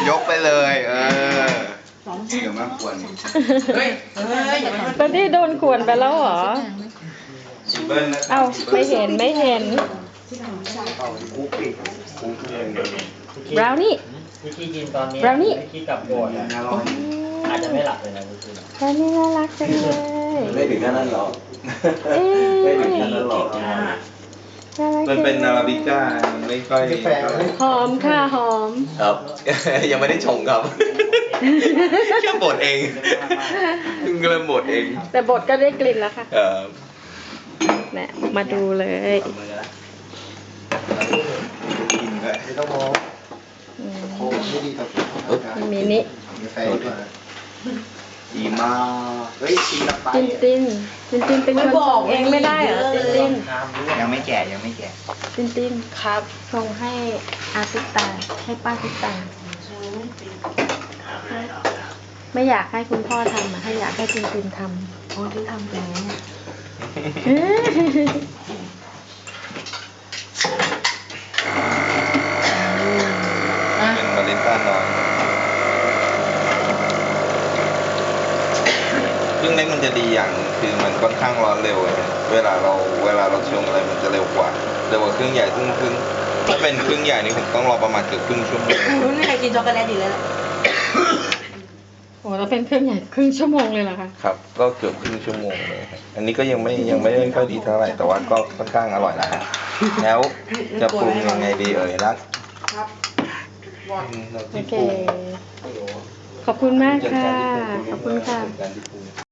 ยกไปเลย เดี๋ยวมาควรเฮ้ยตอนที่โดนขวนไปแล้วเหรอเอ้าไม่เห็นบราวนี่วิธีกินตอนนี้บราวนี่วิธีกลับโบสถ์อาจจะไม่หลับเลยนะวิธีบราวนี่น่ารักจังเลยไม่ถึงขนาดนั้นหรอกเอ๊ะไม่ถึงขนาดนั้นหรอกน่ารักมันเป็นอาราบิก้ามันไม่ค่อยหอมค่ะหอมครับ ยังไม่ได้ชงครับแค่บดเองเพิ่งเริ่มบดเองแต่บทก็ได้กลิ่นแล้วค่ะครับเนี่ยมาดูเลยกินด้วยไม่ต้องมองอืมโค้งไม่ดีกับมินิกาแฟดีกว่าดีมากเฮ้ยกินละไปตินเป็นคนส่งเองไม่ได้เหรอตินยังไม่แก่ยังไม่แก่ตินครับส่งให้อาติตาให้ป้าติตาไม่อยากให้คุณพ่อทำอ่ะให้อยากให้ตินทำโอ้ที่ทำแล้วเป็นมารินต้าน้อยเครื่องเล็กมันจะดีอย่างคือมันค่อนข้างร้อนเร็วนะเวลาเราชงอะไรมันจะเร็วกว่าเครื่องใหญ่ซึ่งถ้าเป็นเครื่องใหญ่นี่ผมต้องรอประมาณเกือบครึ่งชั่วโมงไม่มีใครกินช็อกโกแลตอยู่แล้วโอ้แล้วเป็นเครื่องใหญ่ครึ่งชั่วโมงเลยเหรอคะครับก็เกือบครึ่งชั่วโมงเลยครับอันนี้ก็ยังไม่ได้ค่อยดีเท่าไหร่แต่ว่าก็ค่อนข้างอร่อยนะฮะแล้วจะปรุงยังไงดีรักโอเค ขอบคุณมากค่ะ ขอบคุณค่ะการที่ปรุง